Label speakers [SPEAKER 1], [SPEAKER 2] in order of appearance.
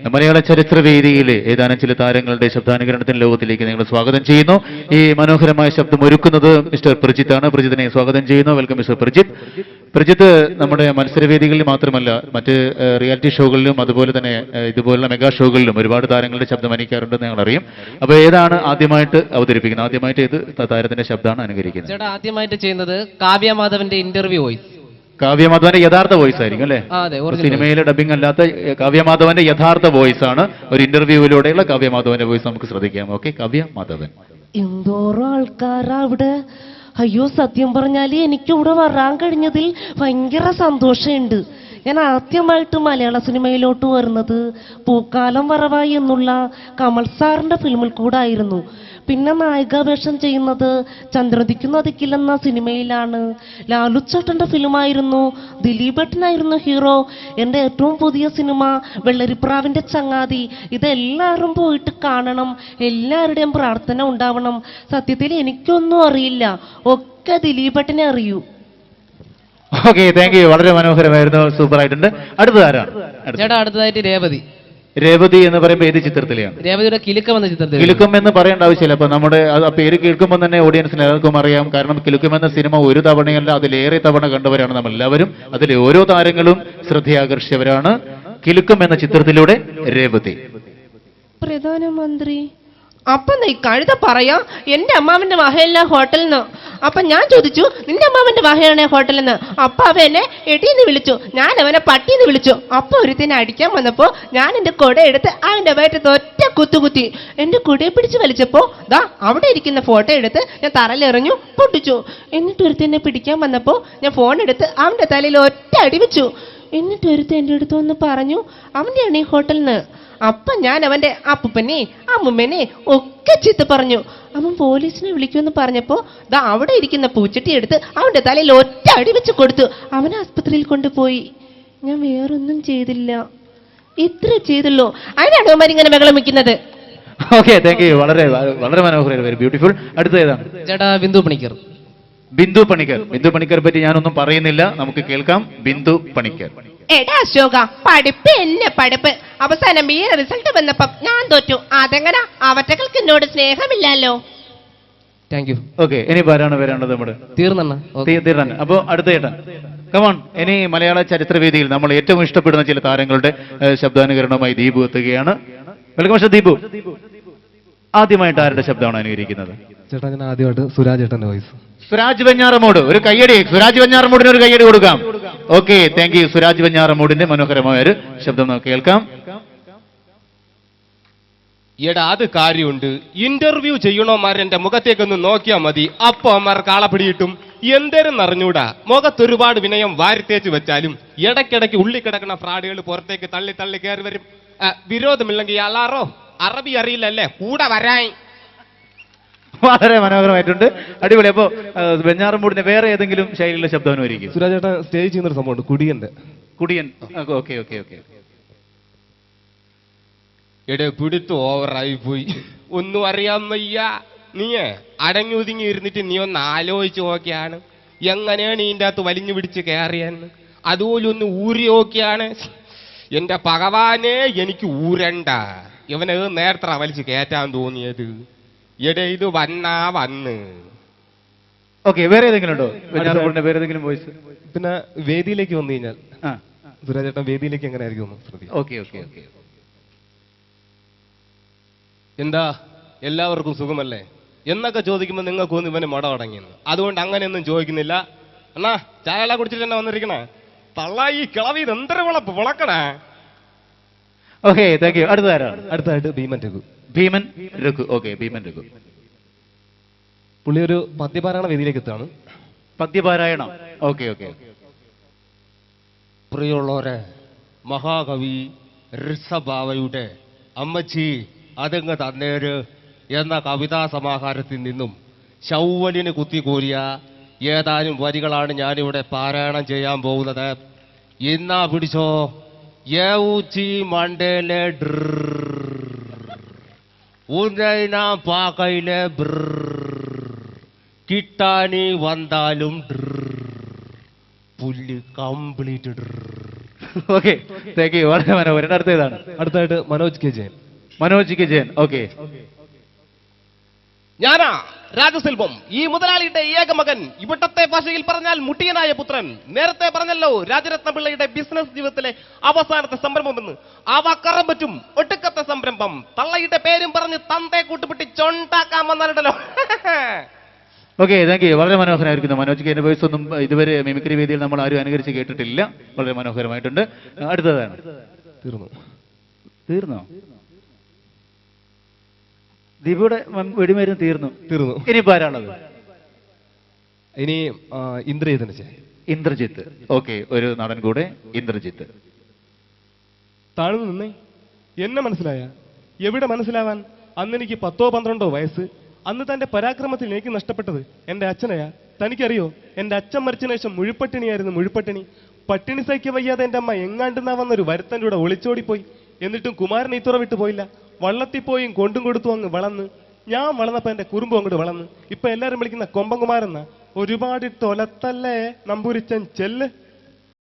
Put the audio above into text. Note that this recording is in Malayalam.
[SPEAKER 1] മലയാള ചരിത്രവേദിയിലെ ഏതാനും ചില താരങ്ങളുടെ ശബ്ദാനുകരണത്തിന് ലോകത്തിലേക്ക് നിങ്ങൾ സ്വാഗതം ചെയ്യുന്നു. ഈ മനോഹരമായ ശബ്ദം ഒരുക്കുന്നത് മിസ്റ്റർ പ്രജിത്താണ്. പ്രജിത്തിനെ സ്വാഗതം ചെയ്യുന്നു. Welcome mister Prajith. പ്രജിത്ത് നമ്മുടെ മത്സരവേദികളിൽ മാത്രമല്ല മറ്റ് റിയാലിറ്റി ഷോകളിലും അതുപോലെ തന്നെ ഇതുപോലുള്ള മെഗാ ഷോകളിലും ഒരുപാട് താരങ്ങളുടെ ശബ്ദം അനുകരിക്കാറുണ്ടെന്ന് ഞങ്ങൾ അറിയും. അപ്പോൾ ഏതാണ് ആദ്യമായിട്ട് അവതരിപ്പിക്കുന്നത്? ആദ്യമായിട്ട് ഏത് താരത്തിന്റെ ശബ്ദമാണ് അനുകരിക്കുന്നത്?
[SPEAKER 2] ചേട്ടാ ആദ്യമായിട്ട് ചെയ്യുന്നത് കാവ്യ മാധവന്റെ ഇന്റർവ്യൂ വോയിസ്.
[SPEAKER 1] കാവ്യ മാധവന്റെ യഥാർത്ഥ വോയിസ് ആയിരിക്കും അല്ലേ? സിനിമയിലെ ഡബിംഗ് അല്ലാത്ത കാവ്യ മാധവന്റെ യഥാർത്ഥ വോയിസ് ആണ്. ഒരു ഇന്റർവ്യൂവിലൂടെയുള്ള കാവ്യ മാധവന്റെ വോയിസ് നമുക്ക് ശ്രദ്ധിക്കാം. ഓക്കെ, കാവ്യ മാധവൻ.
[SPEAKER 3] എന്തോരോ ആൾക്കാരാ അവിടെ. അയ്യോ, സത്യം പറഞ്ഞാല് എനിക്ക് ഇവിടെ വരാൻ കഴിഞ്ഞതിൽ ഭയങ്കര സന്തോഷമുണ്ട്. ഞാൻ ആദ്യമായിട്ട് മലയാള സിനിമയിലോട്ട് വരുന്നത് പൂക്കാലം വരവായി എന്നുള്ള കമൽ സാറിന്റെ ഫിലിമിൽ കൂടെ ആയിരുന്നു. പിന്നെ നായികാവേഷം ചെയ്യുന്നത് ചന്ദ്രദിക്കുന്ന സിനിമയിലാണ്. ലാലുച്ചേട്ടന്റെ ഫിലിമായിരുന്നു. ദിലീപേട്ടനായിരുന്നു ഹീറോ. എൻ്റെ ഏറ്റവും പുതിയ സിനിമ വെള്ളരിപ്രാവിന്റെ ചങ്ങാതി. ഇതെല്ലാവരും പോയിട്ട് കാണണം. എല്ലാവരുടെയും പ്രാർത്ഥന ഉണ്ടാവണം. സത്യത്തിൽ എനിക്കൊന്നും അറിയില്ല, ഒക്കെ ദിലീപേട്ടനെ അറിയൂ.
[SPEAKER 1] Okay, thank you. വളരെ മനോഹരമായിരുന്നു, സൂപ്പർ ആയിട്ടുണ്ട്. അടുത്തത് ആരാണ്?
[SPEAKER 2] ചേട്ടാ അടുത്തതായിട്ട് രേവതി.
[SPEAKER 1] രേവതി എന്ന് പറയുമ്പോൾ ഏത് ചിത്രത്തിലെയാണ്?
[SPEAKER 2] രേവതിയുടെ കിലുക്കം എന്ന ചിത്രത്തിൽ.
[SPEAKER 1] കിലുക്കം എന്ന് പറയേണ്ട ആവശ്യമില്ല. അപ്പൊ നമ്മുടെ ആ പേര് കേൾക്കുമ്പോൾ തന്നെ ഓഡിയൻസിന് എല്ലാവർക്കും അറിയാം. കാരണം കിലുക്കം എന്ന സിനിമ ഒരു തവണയല്ല, അതിലേറെ തവണ കണ്ടവരാണ് നമ്മൾ എല്ലാവരും. അതിലെ ഓരോ താരങ്ങളും ശ്രദ്ധയാകർഷിച്ചവരാണ്. കിലുക്കം എന്ന ചിത്രത്തിലൂടെ രേവതി.
[SPEAKER 3] പ്രധാനമന്ത്രി അപ്പൊ നീ കഴുത പറയാ എന്റെ അമ്മാവന്റെ വഹയല്ല ഹോട്ടലിൽ നിന്ന്. അപ്പൊ ഞാൻ ചോദിച്ചു നിന്റെ അമ്മാവന്റെ വഹയാണ് ഹോട്ടലിൽ നിന്ന്. അപ്പൊ അവ എന്നെ എടീന്ന് വിളിച്ചു, ഞാൻ അവനെ പട്ടീന്ന് വിളിച്ചു. അപ്പൊ ഒരുത്തിനെ അടിക്കാൻ വന്നപ്പോ ഞാൻ എന്റെ കുട എടുത്ത് അവന്റെ വയറ്റത്ത് ഒറ്റ കുത്തുകുത്തി. എന്റെ കുടയെ പിടിച്ച് വലിച്ചപ്പോ ദാ അവിടെ ഇരിക്കുന്ന ഫോട്ടോ എടുത്ത് ഞാൻ തറയിലെറിഞ്ഞു, പൊട്ടിച്ചു. എന്നിട്ട് ഒരുത്തിനെ പിടിക്കാൻ വന്നപ്പോ ഞാൻ ഫോൺ എടുത്ത് അവന്റെ തലയിൽ ഒറ്റ അടി വെച്ചു. എന്നിട്ട് ഒരുത്തൻ എൻ്റെ അടുത്ത് വന്ന് പറഞ്ഞു അവന്റെയാണ് ഈ ഹോട്ടലിൽ നിന്ന്. അപ്പൊ ഞാൻ അവന്റെ അപ്പൂപ്പനെ അമ്മുമ്മനെ ഒക്കെ ചീത്ത പറഞ്ഞു. അവൻ പോലീസിനെ വിളിക്കുമെന്ന് പറഞ്ഞപ്പോ ദാ അവിടെ ഇരിക്കുന്ന പൂച്ചട്ടി എടുത്ത് അവന്റെ തലയിൽ ഒറ്റ അടി വെച്ച് കൊടുത്തു. അവനെ ആസ്പത്രിയിൽ കൊണ്ടുപോയി. ഞാൻ വേറൊന്നും ചെയ്തില്ല, ഇത്ര ചെയ്തുള്ളൂ. അതിനാണ് അവന്മാരിങ്ങനെ ബഹളം വെക്കുന്നത്.
[SPEAKER 1] Okay, thank you. വളരെ വളരെ മനോഹരം, വെരി ബ്യൂട്ടിഫുൾ. അടുത്ത ഏതാണ്?
[SPEAKER 2] ചേട്ടാ ബിന്ദു പണിക്കർ.
[SPEAKER 1] ബിന്ദു പണിക്കർ. ബിന്ദു പണിക്കർ പറ്റി ഞാനൊന്നും പറയുന്നില്ല, നമുക്ക് കേൾക്കാം. ബിന്ദു പണിക്കർ.
[SPEAKER 3] എടാ അശോക, പഠിപ്പ് എന്നെ പഠിപ്പ്. അവസാനം ഈ റിസൾട്ട് വന്നപ്പം ഞാൻ തോറ്റു. അതെങ്ങനെ? അവറ്റകൾക്ക് എന്നോട് സ്നേഹമില്ലല്ലോ.
[SPEAKER 2] Thank you.
[SPEAKER 1] ഓക്കെ, ഇനി ആരാണ് വരേണ്ടത്? നമ്മുടെ തീർന്ന. അപ്പോ അടുത്ത ചേട്ടൻ, കമോൺ. ഇനി മലയാള ചരിത്രവേദിയിൽ നമ്മൾ ഏറ്റവും ഇഷ്ടപ്പെടുന്ന ചില താരങ്ങളുടെ ശബ്ദാനുകരണവുമായി ദീപു എത്തുകയാണ്. Welcome mister Deepu. ആദ്യമായിട്ട് ആരുടെ ശബ്ദമാണ് അനുകരിക്കുന്നത്?
[SPEAKER 4] ചേട്ടാ ഞാൻ ആദ്യമായിട്ട് സുരാജ് ചേട്ടന്റെ വോയിസ്.
[SPEAKER 1] സുരാജ് വെഞ്ഞാറമൂട്. ഒരു കയ്യടി സുരാജ് വെഞ്ഞാറമൂടിന് ഒരു കയ്യടി കൊടുക്കാം. Okay, thank you. സുരാജ് വെഞ്ഞാറമൂടിന്റെ മനോഹരമായ ഒരു ശബ്ദം നമുക്ക് കേൾക്കാം.
[SPEAKER 5] എടാ അത് കാര്യമുണ്ട്. ഇന്റർവ്യൂ ചെയ്യണോമാർ എന്റെ മുഖത്തേക്കൊന്ന് നോക്കിയാൽ മതി, അപ്പൊ അമ്മമാർക്ക് ആളപ്പിടിയിട്ടും. എന്തേരും അറിഞ്ഞൂടാ, മുഖത്തൊരുപാട് വിനയം വാരിത്തേച്ച് വെച്ചാലും ഇടയ്ക്കിടയ്ക്ക് ഉള്ളി കിടക്കുന്ന ഫ്രാഡുകൾ പുറത്തേക്ക് തള്ളി തള്ളി കയറി വരും. വിരോധമില്ലെങ്കിൽ അലാറോ അറബി അറിയില്ലല്ലേ കൂടെ വരാൻ.
[SPEAKER 1] വളരെ മനോഹരമായിട്ടുണ്ട്, അടിപൊളി. അപ്പോ വെഞ്ഞാറമൂടിന്റെ വേറെ ഏതെങ്കിലും ശൈലിയിലുള്ള ശബ്ദം അനുകരിക്കും?
[SPEAKER 4] സുരാജ് ചേട്ടാ സ്റ്റേജ് ചെയ്യുന്നൊരു സംഭവമുണ്ട്, കുടിയന്റെ.
[SPEAKER 1] കുടിയൻ. Okay okay okay.
[SPEAKER 5] എടേ പിടുത്ത് ഓവറായി പോയി, ഒന്നും അറിയാൻ വയ്യ. നീയേ അടങ്ങി ഒതുങ്ങി ഇരുന്നിട്ട് നീ ഒന്ന് ആലോചിച്ച് നോക്കിയാണ് എങ്ങനെയാണ് ഇതിൻ്റെ അകത്ത് വലിഞ്ഞു പിടിച്ച് കയറിയെന്ന്. അതുപോലെ ഒന്ന് ഊരി നോക്കിയാണ്. എന്റെ ഭഗവാനെ, എനിക്ക് ഊരണ്ട. ഇവന് നേരത്തെ വലിച്ച് കയറ്റാൻ തോന്നിയത്. എടേ ഇത് വന്ന്.
[SPEAKER 1] ഓക്കെ, വേറെ ഏതെങ്കിലും ഉണ്ടോ വെഞ്ഞാറമൂടിന്റെ വേറെ ഏതെങ്കിലും വോയിസ്?
[SPEAKER 4] പിന്നെ വേദിയിലേക്ക് വന്നു കഴിഞ്ഞാൽ സുരാജ് ചേട്ടൻ വേദിയിലേക്ക് എങ്ങനെ ആയിരിക്കും?
[SPEAKER 1] Okay okay okay.
[SPEAKER 5] എന്താ എല്ലാവർക്കും സുഖമല്ലേ എന്നൊക്കെ ചോദിക്കുമ്പോൾ നിങ്ങൾക്ക് ഒന്ന് ഇവന് മട അടങ്ങിയെന്ന്. അതുകൊണ്ട് അങ്ങനെയൊന്നും ചോദിക്കുന്നില്ല. എന്നാ ചായ കുടിച്ചിട്ട് തന്നെ വന്നിരിക്കണേ തള്ള. ഈ കിളവി എന്തര വിളക്കണേ.
[SPEAKER 1] Okay, thank you. അടുത്തതാരാണ്?
[SPEAKER 4] അടുത്തായിട്ട് ഭീമൻ രഘു.
[SPEAKER 1] ഭീമൻ രഘു. ഓക്കെ, ഭീമൻ രഘു.
[SPEAKER 4] പുള്ളി ഒരു പദ്യപാരായണ വേദിയിലേക്ക് എത്താണ്.
[SPEAKER 1] പദ്യപാരായണം. Okay okay.
[SPEAKER 5] പ്രിയമുള്ളവരെ, മഹാകവി ഋഷഭാവയുടെ അമ്മച്ചി അതങ്ങ് തന്നേര് എന്ന കവിതാ സമാഹാരത്തിൽ നിന്നും ശൗവലിന് കുത്തിക്കോരിയ ഏതാനും വരികളാണ് ഞാനിവിടെ പാരായണം ചെയ്യാൻ പോകുന്നത്. ഇന്നാ പിടിച്ചോ. യൗച്ചി മണ്ടേലെ ഉന്നയിന പാക്കയിലെ കിട്ടാനി വന്നാലും പുല്ല് കംപ്ലീറ്റ്.
[SPEAKER 1] Okay, thank you. വളരെ മനോഹരം. അടുത്ത ഏതാണ്?
[SPEAKER 4] അടുത്തായിട്ട് Manoj K Jayan.
[SPEAKER 1] Manoj K Jayan. Okay.
[SPEAKER 5] ഞാനാ രാജസെൽവം, ഈ മുതലാളിയുടെ ഏക മകൻ, ഇവിടത്തെ ഭാഷയിൽ പറഞ്ഞാൽ മുട്ടിയനായ പുത്രൻ. നേരത്തെ പറഞ്ഞല്ലോ രാജരത്ന പിള്ളയുടെ ബിസിനസ് ജീവിതത്തിലെ അവസാനത്തെ സംരംഭമെന്ന്. ആ വാക്കറം പറ്റും, ഒടുക്കത്തെ സംരംഭം. തള്ളയുടെ പേരും പറഞ്ഞ് തന്തയെ കൂട്ടുപിട്ടി ചൊണ്ടാക്കാൻ വന്നാലുണ്ടല്ലോ.
[SPEAKER 1] Okay, thank you. വളരെ മനോഹരമായിരിക്കുന്നു. മനോജ് കെ വോയിസ് ഒന്നും ഇതുവരെ മിമിക്രി വേദിയിൽ നമ്മൾ ആരും അനുകരിച്ച് കേട്ടിട്ടില്ല. വളരെ മനോഹരമായിട്ടുണ്ട്. അടുത്തതാണ്. തീർന്നോ? ദീപയുടെ വെടിമരുന്ന് തീർന്നു. ഇനിയിപ്പോ ആരാണത്?
[SPEAKER 4] ഇനി ഇന്ദ്രജിത്തിന്റെ ചായ.
[SPEAKER 1] ഇന്ദ്രജിത്ത്. ഓക്കെ, ഒരു നടൻ കൂടെ, ഇന്ദ്രജിത്ത്.
[SPEAKER 4] താഴ്ന്നു നിന്നേ. എന്നെ മനസ്സിലായ? എവിടെ മനസ്സിലാവാൻ? അന്ന് എനിക്ക് 10-12 വയസ്സ്. അന്ന് തന്റെ പരാക്രമത്തിൽ എനിക്ക് നഷ്ടപ്പെട്ടത് എന്റെ അച്ഛനെയാ. തനിക്കറിയോ, എന്റെ അച്ഛൻ മരിച്ചതിന് ശേഷം മുഴുപ്പട്ടിണിയായിരുന്നു. മുഴുപ്പട്ടിണി. പട്ടിണി സഹിക്ക വയ്യാതെ എന്റെ അമ്മ എങ്ങാണ്ടെന്നാ വന്നൊരു വരുത്തൻ്റെ കൂടെ ഒളിച്ചോടിപ്പോയി. എന്നിട്ടും കുമാരൻ ഈത്തുറ വിട്ടു പോയില്ല. വള്ളത്തിൽ പോയും കൊണ്ടും കൊടുത്തു അങ്ങ് വളർന്ന്. ഞാൻ വളർന്നപ്പോ എന്റെ കുറുമ്പും അങ്ങോട്ട് വളർന്ന്. ഇപ്പൊ എല്ലാരും വിളിക്കുന്ന കൊമ്പൻകുമാരെന്നാ. ഒരുപാട് തൊലത്തല്ലേ നമ്പൂരിച്ചൻ ചെല്ല്.